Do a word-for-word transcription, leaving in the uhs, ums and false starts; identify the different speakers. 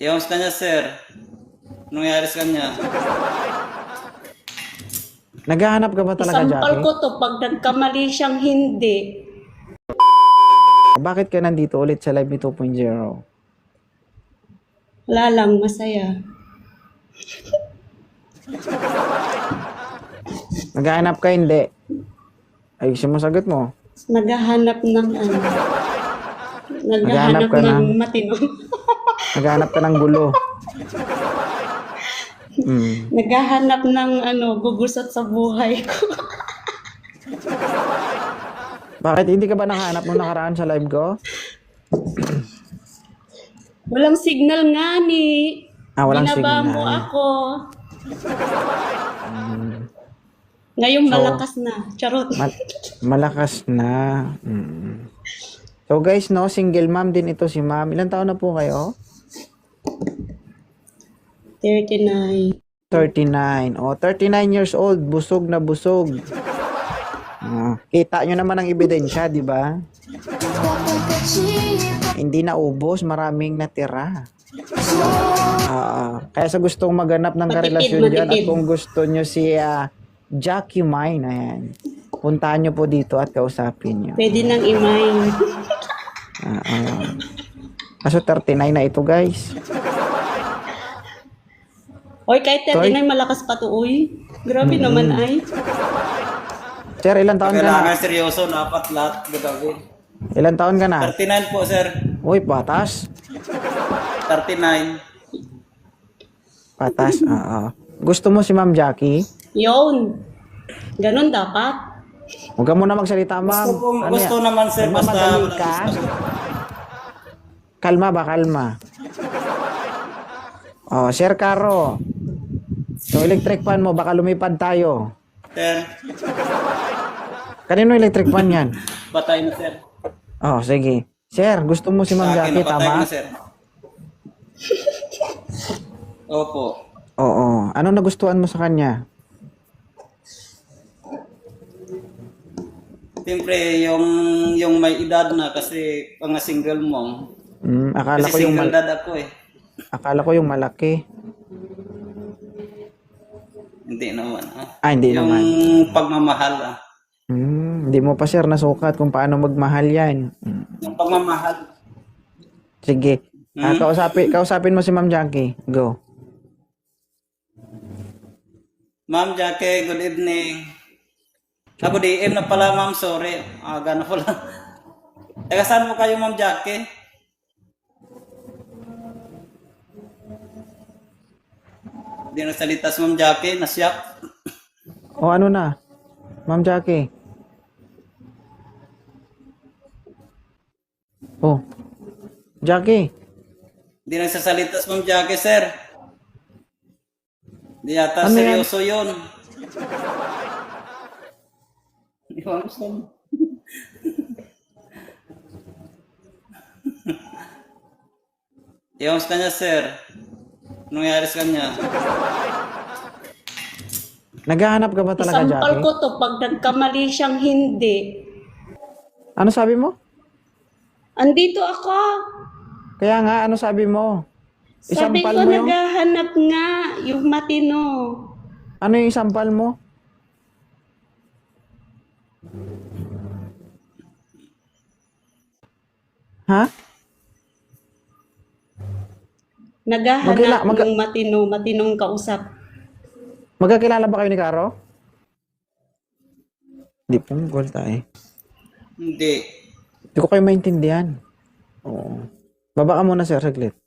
Speaker 1: Yung sa kanya, sir. Anong nangyari sa kanya?
Speaker 2: Naghahanap ka ba talaga,
Speaker 3: Isampal
Speaker 2: Jackie?
Speaker 3: ko to pag nagkamali siyang hindi.
Speaker 2: Bakit ka nandito ulit sa Live Me two point oh?
Speaker 3: Wala lang, masaya.
Speaker 2: Naghahanap ka, hindi. Ayusin mo sagot mo.
Speaker 3: Naghahanap ng ano.
Speaker 2: Naghahanap
Speaker 3: Naghahanap
Speaker 2: ka
Speaker 3: ng
Speaker 2: ng-
Speaker 3: matino.
Speaker 2: Naghahanap ka ng gulo. Mm.
Speaker 3: Naghahanap ng ano, gugusot sa buhay ko.
Speaker 2: Bakit hindi ka ba nakahanap nung nakaraan sa live ko?
Speaker 3: Walang signal nga ni.
Speaker 2: Ah, walang
Speaker 3: Binaba
Speaker 2: signal.
Speaker 3: mo ako. Ngayong
Speaker 2: So,
Speaker 3: malakas na. Charot.
Speaker 2: Ma- malakas na. Mm. So guys, no, single mom din ito si ma'am. Ilan taon na po kayo?
Speaker 3: thirty-nine.
Speaker 2: thirty-nine. O, thirty-nine years old. Busog na busog. Ah, kita nyo naman ang ebidensya, di ba? Hindi na ubos, maraming natira. Ah, kaya sa gustong maganap ng
Speaker 3: Matipid,
Speaker 2: karelasyon dyan at
Speaker 3: matipid.
Speaker 2: kung gusto nyo si ah, Jackie Mine, ayan, puntahan nyo po dito at kausapin nyo.
Speaker 3: Pwede nang imain.
Speaker 2: Ah, ah. Kaso thirty-nine na ito, guys.
Speaker 3: Oy, kahit thirty-nine, malakas pa to, uy. Grabe naman ay.
Speaker 2: Sir, ilan taon ka na?
Speaker 1: Kailangan seryoso, dapat lahat gagawin.
Speaker 2: Ilan taon ka na?
Speaker 1: thirty-nine po, sir.
Speaker 2: Uy, patas.
Speaker 1: thirty-nine.
Speaker 2: Patas, oo. Gusto mo si Ma'am Jackie?
Speaker 3: Yun. Ganon dapat.
Speaker 2: Huwag ka muna magsalita, ma'am.
Speaker 1: Gusto, po,
Speaker 2: Ano
Speaker 1: gusto
Speaker 2: yan?
Speaker 1: naman, sir. Basta
Speaker 2: Nagmamadali ka? Kalma ba, kalma? Oh, Sir Caro. Yung electric fan mo, baka lumipad tayo.
Speaker 1: Sir,
Speaker 2: Kanino electric fan yan?
Speaker 1: patay na, sir.
Speaker 2: Oh, sige. Sir, gusto mo si Ma'am
Speaker 1: Sa akin,
Speaker 2: Jackie,
Speaker 1: napatay
Speaker 2: tama?
Speaker 1: na, sir. Opo.
Speaker 2: Oo. Ano nagustuhan mo sa kanya?
Speaker 1: Siyempre, yung, yung may edad na kasi pang single mom.
Speaker 2: Hmm, akala
Speaker 1: Kasi
Speaker 2: ko yung
Speaker 1: single
Speaker 2: mal-
Speaker 1: dad ako eh.
Speaker 2: akala ko yung malaki.
Speaker 1: Hindi naman. Ah.
Speaker 2: Ah, hindi
Speaker 1: yung
Speaker 2: naman.
Speaker 1: pagmamahal. Ah.
Speaker 2: Hmm, hindi mo pa sir nasukat kung paano magmahal yan. Hmm.
Speaker 1: Yung pagmamahal.
Speaker 2: Sige. Ah,
Speaker 1: Hmm?
Speaker 2: kausapin, kausapin mo si Ma'am Jackie. Go.
Speaker 1: Ma'am Jackie, good evening. Ako D M na pala, ma'am. Sorry. Ah, gano'n pala. Teka, saan mo kayo, ma'am Jackie? Hindi na salita si ma'am Jackie. Nasyak.
Speaker 2: O ano na? Ma'am Jackie. Oh. Jackie.
Speaker 1: Hindi na sasalita si ma'am Jackie, sir. Hindi yata
Speaker 2: Ano yan?
Speaker 1: seryoso yun. Hindi ko alam saan. Yung sa kanya, sir. Anong nangyari sa kanya?
Speaker 2: Naghahanap ka ba talaga,
Speaker 3: Isampal
Speaker 2: Jackie?
Speaker 3: ko to pag nagkamali siyang hindi.
Speaker 2: Ano sabi mo?
Speaker 3: Andito ako.
Speaker 2: Kaya nga, ano sabi mo?
Speaker 3: Sabi
Speaker 2: Isampal
Speaker 3: ko,
Speaker 2: mo yung...
Speaker 3: naghahanap nga yung matino.
Speaker 2: Ano yung isampal mo? Ha?
Speaker 3: Naghahanap
Speaker 2: Magkila- magka-
Speaker 3: ng matino, matinong kausap.
Speaker 2: Magkakilala ba kayo ni Caro? Hindi punggol tayo.
Speaker 1: Hindi.
Speaker 2: Hindi ko kayo maintindihan. Oo. Baba ka muna, sir, saglit.